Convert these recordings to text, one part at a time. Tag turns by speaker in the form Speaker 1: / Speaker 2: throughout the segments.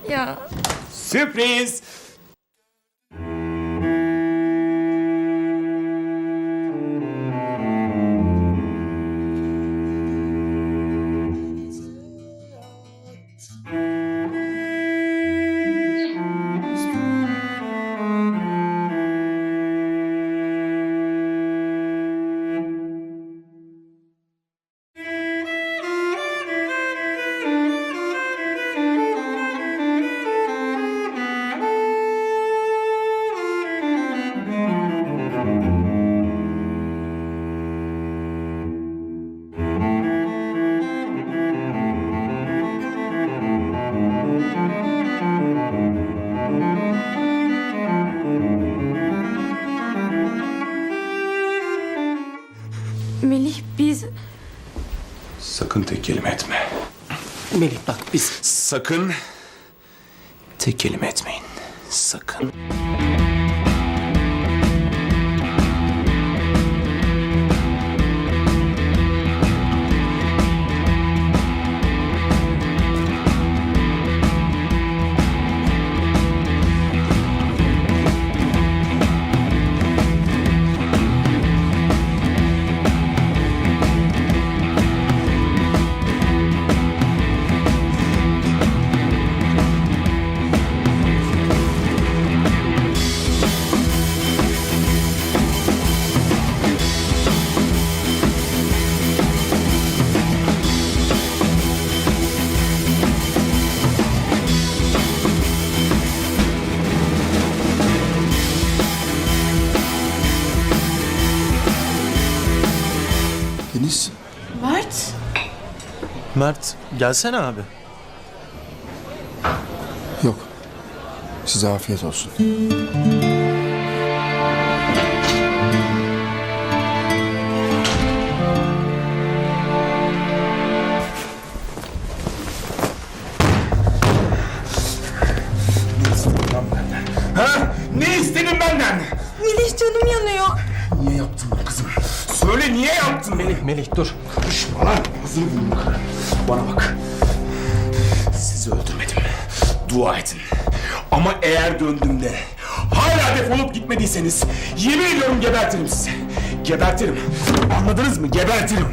Speaker 1: Ya.
Speaker 2: Sürpriz.
Speaker 1: Melih biz...
Speaker 2: Sakın tek kelime etme.
Speaker 3: Melih bak biz...
Speaker 2: Sakın tek kelime etmeyin. Sakın.
Speaker 4: Deniz.
Speaker 1: Mert.
Speaker 3: Mert gelsene abi.
Speaker 4: Yok. Size afiyet olsun.
Speaker 2: Ha? Ne istedin benden?
Speaker 1: Melih canım yanıyor.
Speaker 2: Niye yaptın bunu kızım? Söyle niye yaptın beni?
Speaker 3: Melih dur.
Speaker 2: Karışma lan. Hazır bulun. Bana bak. Sizi öldürmedim. Dua edin. Ama eğer döndüğümde hala defolup gitmediyseniz yemin ediyorum gebertirim sizi. Gebertirim. Anladınız mı? Gebertirim.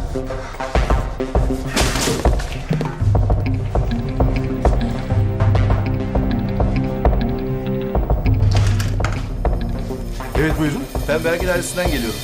Speaker 5: Evet buyurun.
Speaker 6: Ben vergi dairesinden geliyorum.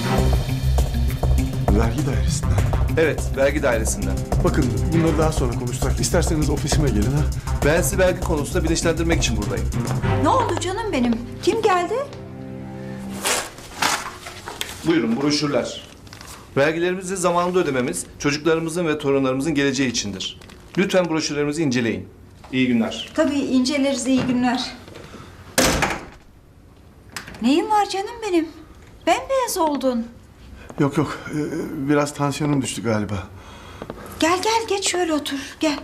Speaker 5: Vergi dairesinden.
Speaker 6: Evet, vergi dairesinden.
Speaker 5: Bakın bunları daha sonra konuşsak. İsterseniz ofisime gelin ha.
Speaker 6: Ben sizi vergi konusunda bilinçlendirmek için buradayım.
Speaker 7: Ne oldu canım benim? Kim geldi?
Speaker 6: Buyurun broşürler. Vergilerimizi zamanında ödememiz çocuklarımızın ve torunlarımızın geleceği içindir. Lütfen broşürlerimizi inceleyin. İyi günler.
Speaker 7: Tabii inceleriz, iyi günler. Neyin var canım benim? Bembeyaz oldun.
Speaker 5: Yok yok. Biraz tansiyonum düştü galiba.
Speaker 7: Gel gel geç şöyle otur gel.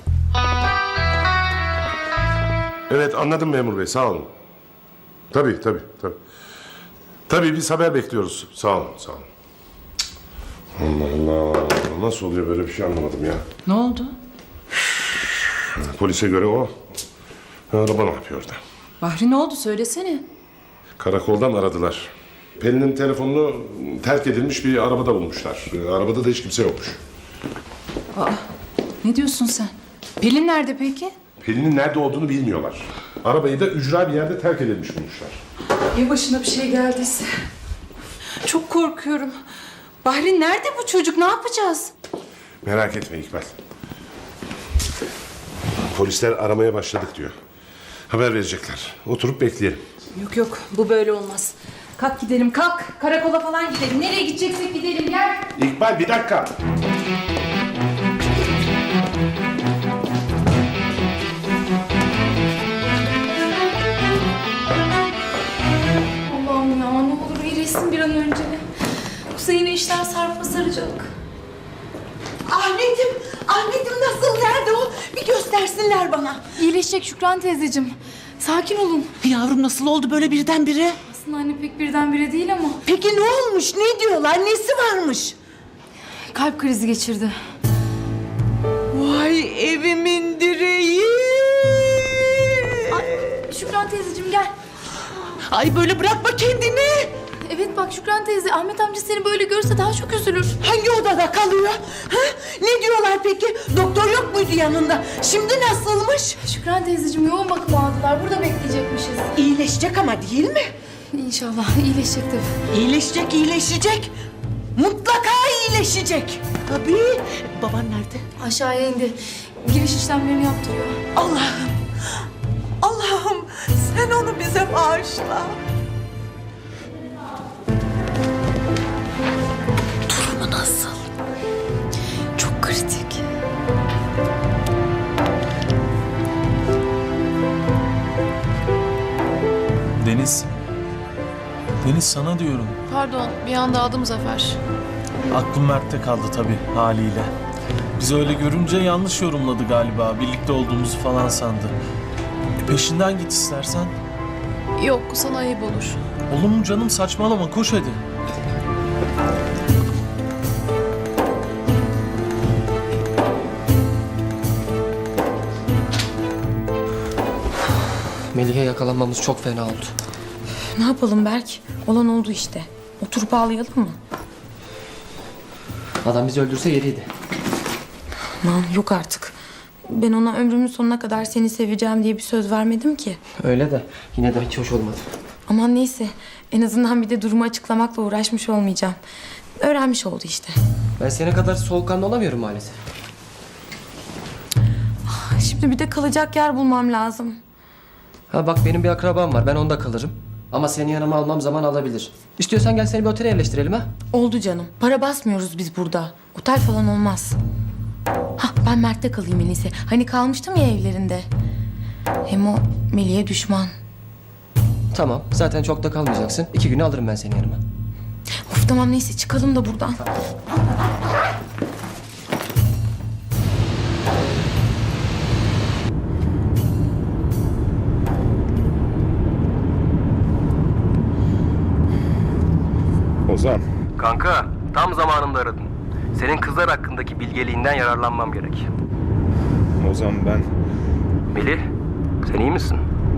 Speaker 8: Evet anladım memur bey sağ olun. Tabii. Tabii biz haber bekliyoruz. Sağ olun. Allah Allah. Nasıl oluyor böyle bir şey anlamadım ya.
Speaker 9: Ne oldu?
Speaker 8: Polise göre o. Araba ne yapıyor orada?
Speaker 9: Bahri ne oldu söylesene.
Speaker 8: Karakoldan aradılar. Pelin'in telefonunu terk edilmiş bir arabada bulmuşlar. Arabada da hiç kimse yokmuş.
Speaker 9: Ne diyorsun sen? Pelin nerede peki?
Speaker 8: Pelin'in nerede olduğunu bilmiyorlar. Arabayı da ücra bir yerde terk edilmiş bulmuşlar.
Speaker 9: Ya başına bir şey geldiyse? Çok korkuyorum. Bahri nerede bu çocuk? Ne yapacağız?
Speaker 8: Merak etme İkbal. Polisler aramaya başladık diyor. Haber verecekler. Oturup bekleyelim.
Speaker 9: Yok bu böyle olmaz. Kalk gidelim kalk. Karakola falan gidelim. Nereye gideceksek gidelim gel.
Speaker 8: İkbal bir dakika.
Speaker 1: Allah'ım ya ne olur iyileşsin bir an önce. Yoksa yine işler sarpa saracak.
Speaker 7: Ahmet'im nasıl? Nerede o? Bir göstersinler bana.
Speaker 1: İyileşecek Şükran teyzeciğim. Sakin olun.
Speaker 3: Yavrum nasıl oldu böyle birdenbire?
Speaker 1: Aslında anne pek birdenbire değil ama
Speaker 7: Peki ne olmuş? Ne diyorlar? Nesi varmış?
Speaker 1: kalp krizi geçirdi.
Speaker 7: Vay evimin direği.
Speaker 1: Şükran teyzeciğim gel.
Speaker 7: Ay böyle bırakma kendini.
Speaker 1: Evet bak Şükran teyze, Ahmet amca seni böyle görse daha çok üzülür.
Speaker 7: Hangi odada kalıyor? Ha? Ne diyorlar peki? Doktor yok muydu yanında? Şimdi nasılmış?
Speaker 1: Şükran teyzeciğim yoğun bakım aldılar. Burada bekleyecekmişiz.
Speaker 7: İyileşecek ama değil mi?
Speaker 1: İnşallah iyileşecek tabii.
Speaker 7: İyileşecek, iyileşecek. Mutlaka iyileşecek. Tabii. Baban nerede?
Speaker 1: Aşağıya indi. Giriş işlemlerini yaptırıyor.
Speaker 7: Allah'ım. Allah'ım sen onu bize bağışla. Durumu nasıl?
Speaker 1: Çok kritik.
Speaker 3: Deniz. Deniz sana diyorum.
Speaker 10: Pardon, bir anda aldım Zafer.
Speaker 3: Aklım Mert'te kaldı tabii haliyle. Biz öyle görünce yanlış yorumladı galiba. Birlikte olduğumuzu falan sandı. Peşinden git istersen.
Speaker 10: Yok, sana ayıp olur.
Speaker 3: Olur mu canım, saçmalama, koş hadi.
Speaker 11: Melih'e yakalanmamız çok fena oldu.
Speaker 9: Ne yapalım Berk? Olan oldu işte. Oturup ağlayalım mı?
Speaker 11: Adam bizi öldürse yeriydi.
Speaker 9: Aman yok artık. Ben ona ömrümün sonuna kadar seni seveceğim diye bir söz vermedim ki.
Speaker 11: Öyle de yine de hiç hoş olmadı.
Speaker 9: Aman neyse. En azından bir de durumu açıklamakla uğraşmış olmayacağım. Öğrenmiş oldu işte.
Speaker 11: Ben senin kadar soğukkanlı olamıyorum maalesef.
Speaker 9: Şimdi bir de kalacak yer bulmam lazım.
Speaker 11: Ha bak benim bir akrabam var, ben onda kalırım. Ama seni yanıma almam zaman alabilir. İstiyorsan gel seni bir otele yerleştirelim ha.
Speaker 9: Oldu canım. Para basmıyoruz biz burada. Otel falan olmaz. Ben Mert'te kalayım en iyisi. Hani kalmıştım ya evlerinde. Hem o Melih'e düşman.
Speaker 11: Tamam, zaten çok da kalmayacaksın. 2 güne alırım ben seni yanıma.
Speaker 9: Of tamam neyse çıkalım da buradan.
Speaker 8: Ozan.
Speaker 11: Kanka, tam zamanında aradın. Senin kızlar hakkındaki bilgeliğinden yararlanmam gerek.
Speaker 8: Ozan ben...
Speaker 11: Melih, sen iyi misin?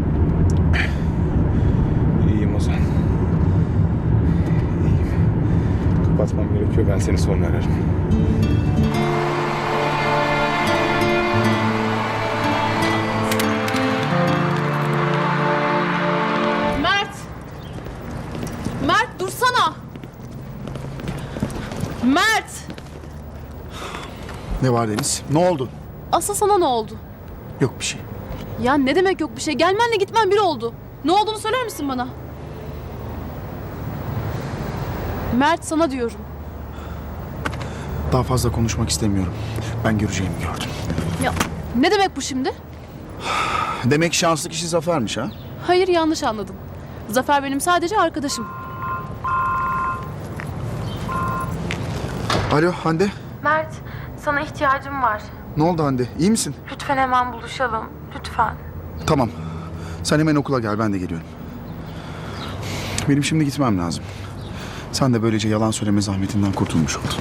Speaker 8: İyiyim Ozan. İyiyim. Kapatmam gerekiyor. Ben seni sonra ararım.
Speaker 10: Mert! Mert dursana! Mert!
Speaker 4: Ne var Deniz? Ne oldu?
Speaker 10: Asıl sana ne oldu?
Speaker 4: Yok bir şey.
Speaker 10: Ya ne demek yok bir şey? Gelmenle gitmen bir oldu. Ne olduğunu söyler misin bana? Mert sana diyorum.
Speaker 4: Daha fazla konuşmak istemiyorum. Ben göreceğimi gördüm.
Speaker 10: Ya ne demek bu şimdi?
Speaker 4: Demek şanslı kişi Zafer'miş ha?
Speaker 10: Hayır yanlış anladın. Zafer benim sadece arkadaşım.
Speaker 4: Alo Hande.
Speaker 9: Mert sana ihtiyacım var.
Speaker 4: Ne oldu Hande? İyi misin?
Speaker 9: Lütfen hemen buluşalım. Lütfen.
Speaker 4: Tamam. Sen hemen okula gel. Ben de geliyorum. Benim şimdi gitmem lazım. Sen de böylece yalan söyleme zahmetinden kurtulmuş oldun.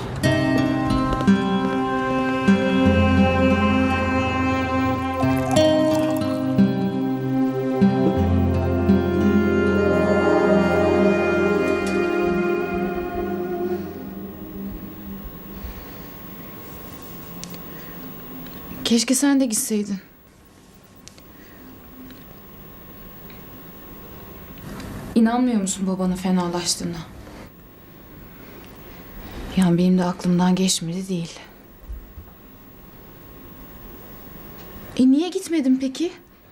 Speaker 1: Keşke sen de gitseydin. İnanmıyor musun babanın fenalaştığına? Yani benim de aklımdan geçmedi değil. Niye gitmedin peki?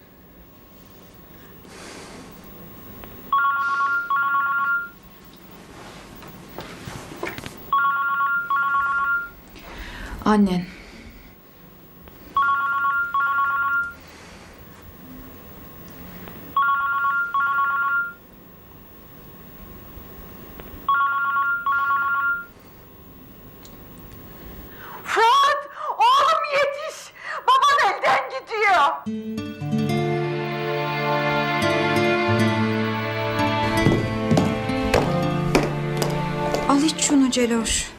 Speaker 1: Annen.
Speaker 7: Fuat! Oğlum yetiş! Baban elden gidiyor.
Speaker 9: Al iç şunu Celoş.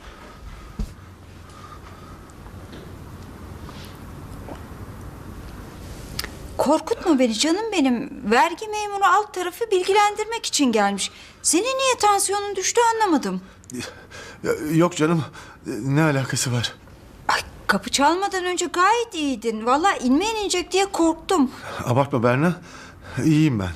Speaker 12: Korkutma beni canım benim. Vergi memuru alt tarafı bilgilendirmek için gelmiş. Senin niye tansiyonun düştü anlamadım.
Speaker 5: Yok canım. Ne alakası var?
Speaker 12: Ay, kapı çalmadan önce gayet iyiydin. Vallahi inmeyen inecek diye korktum.
Speaker 5: Abartma Berna. İyiyim ben.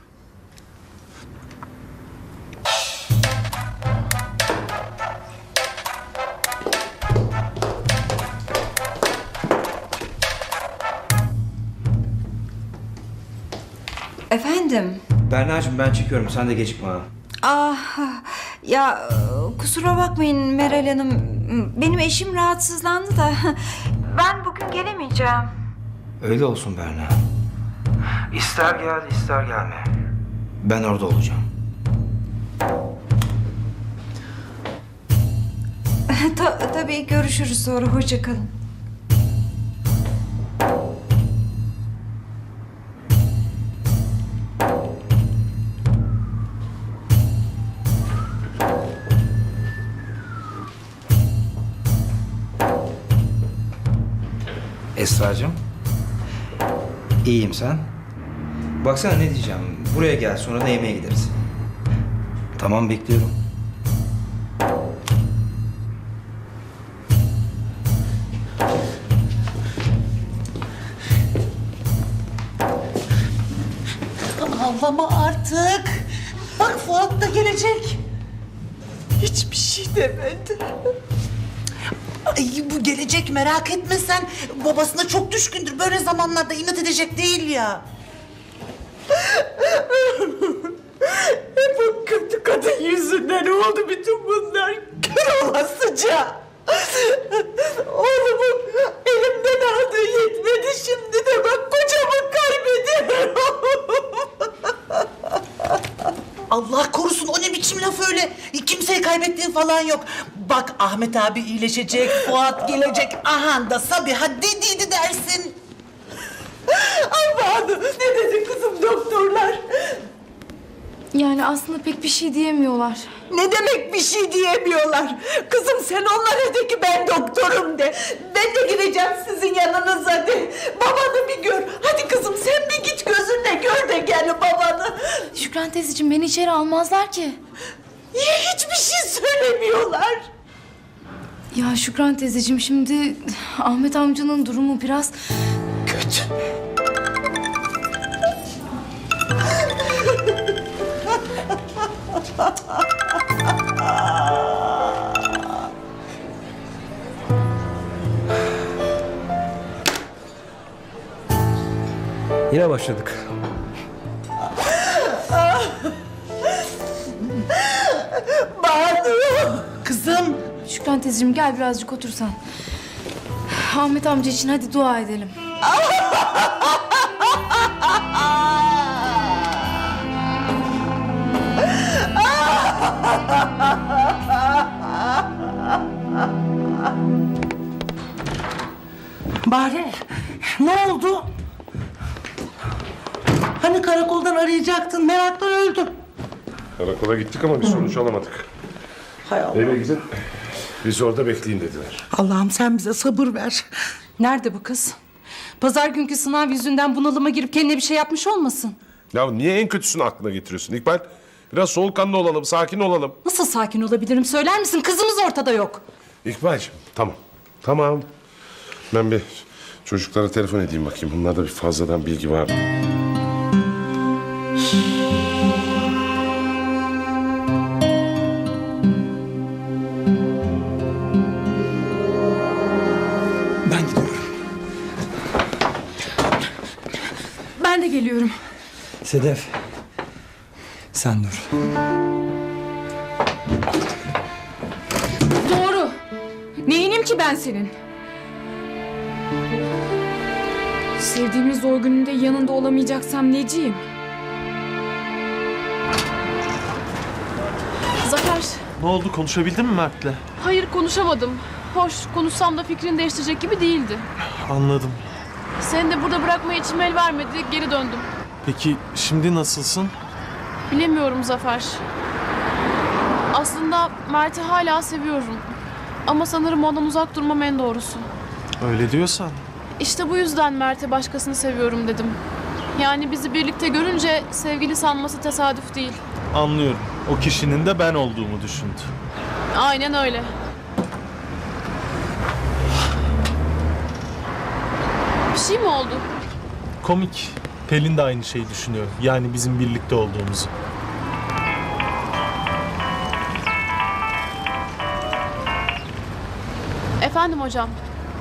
Speaker 12: Efendim?
Speaker 13: Berna'cığım ben çıkıyorum. Sen de gecikme ha.
Speaker 12: Ah ya kusura bakmayın Meral Hanım. Benim eşim rahatsızlandı da. Ben bugün gelemeyeceğim.
Speaker 13: Öyle olsun Berna. İster gel ister gelme. Ben orada olacağım.
Speaker 12: Tabii görüşürüz sonra. Hoşça kalın.
Speaker 13: Esra'cığım. İyiyim sen. Baksana ne diyeceğim. Buraya gel sonra da yemeğe gideriz. Tamam bekliyorum.
Speaker 7: Ağlama artık. Bak Fuat da gelecek. Hiçbir şey demedi. Ay, bu gelecek merak etme sen. Babasına çok düşkündür. Böyle zamanlarda inat edecek değil ya. Bu kötü kadın yüzünden oldu bütün bunlar. Kör olasıca. Oğlumun elimden aldığı yetmedi. Şimdi de bak kocamı kaybediyorum. Allah korusun, o ne biçim laf öyle? Kimseyi kaybettiğin falan yok. Bak Ahmet abi iyileşecek, Fuat gelecek. Aha da Sabiha dediydi dersin. Ay Banu, ne dedi kızım doktorlar?
Speaker 1: Yani aslında pek bir şey diyemiyorlar.
Speaker 7: Ne demek bir şey diyemiyorlar? Kızım sen onlara de ki ben doktorum de. Ben de gireceğim sizin yanınıza de. Babanı bir gör. Hadi kızım sen bir git gözünle gör de gel babanı.
Speaker 1: Şükran teyzeciğim beni içeri almazlar ki.
Speaker 7: Niye hiçbir şey söylemiyorlar?
Speaker 1: Ya Şükran teyzeciğim şimdi Ahmet amcanın durumu biraz
Speaker 7: kötü.
Speaker 11: Yine başladık.
Speaker 7: Banu! Kızım!
Speaker 1: Şükran teyzeciğim gel birazcık otur sen. Ahmet amca için hadi dua edelim.
Speaker 7: Bahri, ne oldu? Hani karakoldan arayacaktın, meraktan öldüm.
Speaker 8: Karakola gittik ama bir sonuç alamadık.
Speaker 7: Hay Allah.
Speaker 8: Eve gidin. Bizi orada bekleyin dediler.
Speaker 7: Allah'ım sen bize sabır ver.
Speaker 10: Nerede bu kız? Pazar günkü sınav yüzünden bunalıma girip kendine bir şey yapmış olmasın?
Speaker 8: Ya niye en kötüsünü aklına getiriyorsun İkbal? Biraz soğukkanlı olalım, sakin olalım.
Speaker 10: Nasıl sakin olabilirim söyler misin? Kızımız ortada yok.
Speaker 8: İkbal'cığım tamam. Tamam. Ben bir çocuklara telefon edeyim bakayım. Bunlarda bir fazladan bilgi var mı?
Speaker 7: Ben gidiyorum.
Speaker 1: Ben de geliyorum.
Speaker 13: Sedef. Sen dur.
Speaker 1: Doğru. Neyinim ki ben senin? Sevdiğimin zor gününde yanında olamayacaksam neciyim?
Speaker 10: Zafer.
Speaker 3: Ne oldu, konuşabildin mi Mert'le?
Speaker 10: Hayır konuşamadım. Hoş konuşsam da fikrini değiştirecek gibi değildi.
Speaker 3: Anladım.
Speaker 10: Seni de burada bırakmaya içim el vermedi. Geri döndüm.
Speaker 3: Peki şimdi nasılsın?
Speaker 10: Bilemiyorum Zafer. Aslında Mert'i hala seviyorum. Ama sanırım ondan uzak durmam en doğrusu.
Speaker 3: Öyle diyorsan.
Speaker 14: İşte bu yüzden Mert'e başkasını seviyorum dedim. Yani bizi birlikte görünce sevgili sanması tesadüf değil.
Speaker 3: Anlıyorum. O kişinin de ben olduğumu düşündü.
Speaker 14: Aynen öyle. Bir şey mi oldu?
Speaker 3: Komik. Pelin de aynı şeyi düşünüyor. Yani bizim birlikte olduğumuzu.
Speaker 14: Efendim hocam.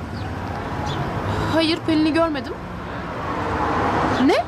Speaker 14: Hayır, Pelin'i görmedim. Ne?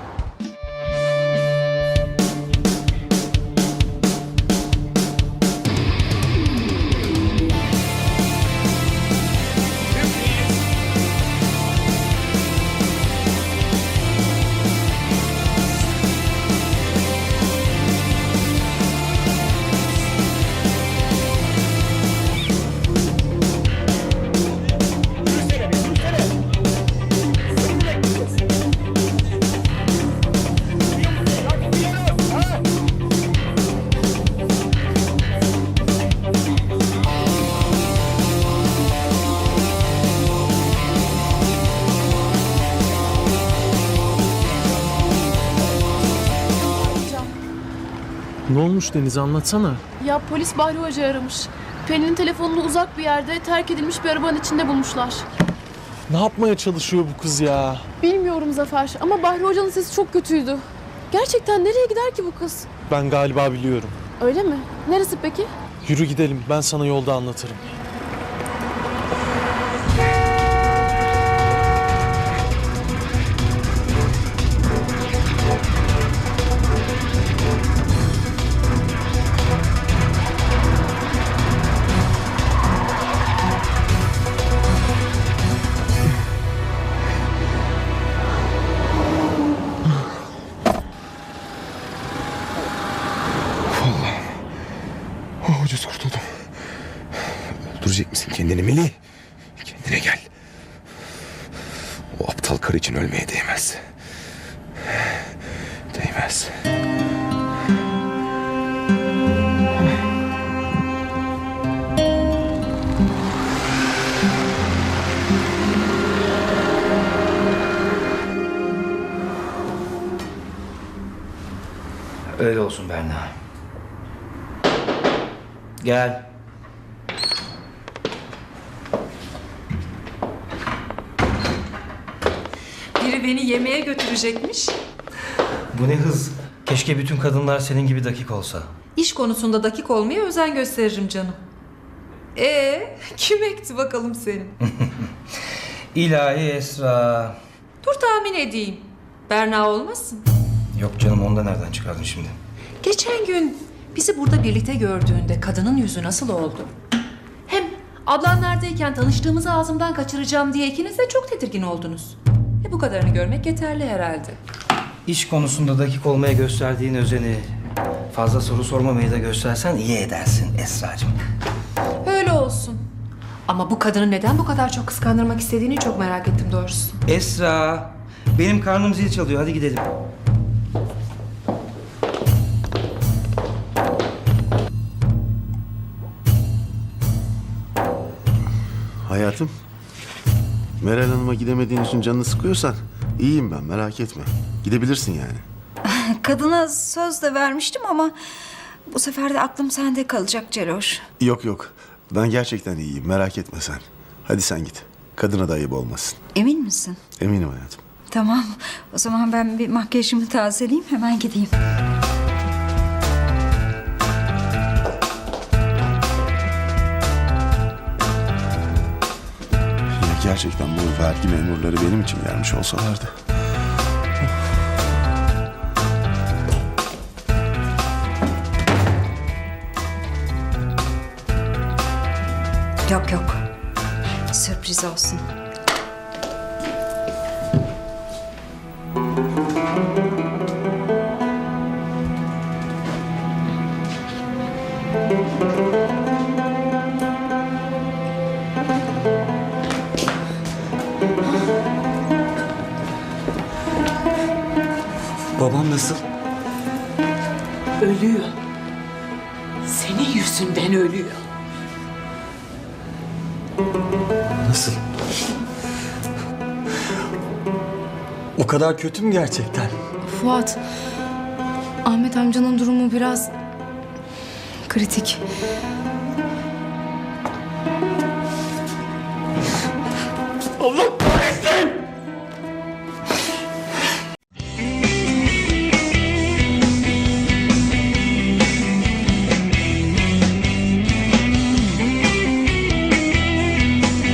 Speaker 3: Ne olmuş Deniz, anlatsana.
Speaker 14: Ya polis Bahri Hoca aramış. Pelin'in telefonunu uzak bir yerde terk edilmiş bir arabanın içinde bulmuşlar.
Speaker 3: Ne yapmaya çalışıyor bu kız ya?
Speaker 14: Bilmiyorum Zafer ama Bahri Hoca'nın sesi çok kötüydü. Gerçekten nereye gider ki bu kız?
Speaker 3: Ben galiba biliyorum.
Speaker 14: Öyle mi? Neresi peki?
Speaker 3: Yürü gidelim, ben sana yolda anlatırım.
Speaker 2: Ucuz kurtuldum. Öldürecek misin kendini Melih? Kendine gel. O aptal karı için ölmeye değmez. Değmez.
Speaker 13: Öyle olsun Berna. Gel.
Speaker 15: Biri beni yemeğe götürecekmiş.
Speaker 13: Bu ne hız? Keşke bütün kadınlar senin gibi dakik olsa.
Speaker 15: İş konusunda dakik olmaya özen gösteririm canım. Kim ekti bakalım seni?
Speaker 13: İlahi Esra.
Speaker 15: Dur tahmin edeyim. Berna olmasın?
Speaker 13: Yok canım, onu da nereden çıkardın şimdi?
Speaker 15: Geçen gün bizi burada birlikte gördüğünde kadının yüzü nasıl oldu? Hem ablanlardayken tanıştığımızı ağzımdan kaçıracağım diye ikiniz de çok tedirgin oldunuz. Bu kadarını görmek yeterli herhalde.
Speaker 13: İş konusunda dakik olmaya gösterdiğin özeni fazla soru sormamayı da göstersen iyi edersin Esracığım.
Speaker 15: Öyle olsun. Ama bu kadını neden bu kadar çok kıskandırmak istediğini çok merak ettim doğrusu.
Speaker 13: Esra, benim karnım zil çalıyor, hadi gidelim.
Speaker 16: Hayatım, Meral Hanım'a gidemediğin için canını sıkıyorsan iyiyim ben, merak etme. Gidebilirsin yani.
Speaker 12: Kadına söz de vermiştim ama bu sefer de aklım sende kalacak Celoş.
Speaker 16: Yok yok, ben gerçekten iyiyim, merak etme sen. Hadi sen git, kadına da ayıp olmasın.
Speaker 12: Emin misin?
Speaker 16: Eminim hayatım.
Speaker 12: Tamam. O zaman ben bir makyajımı tazeleyeyim, hemen gideyim.
Speaker 16: Gerçekten bu vergi memurları benim için gelmiş olsalardı.
Speaker 12: Yok yok. Sürpriz olsun.
Speaker 13: Babam nasıl?
Speaker 7: Ölüyor. Senin yüzünden ölüyor.
Speaker 13: Nasıl?
Speaker 17: O kadar kötü mü gerçekten?
Speaker 1: Fuat, Ahmet amcanın durumu biraz kritik.
Speaker 17: Allah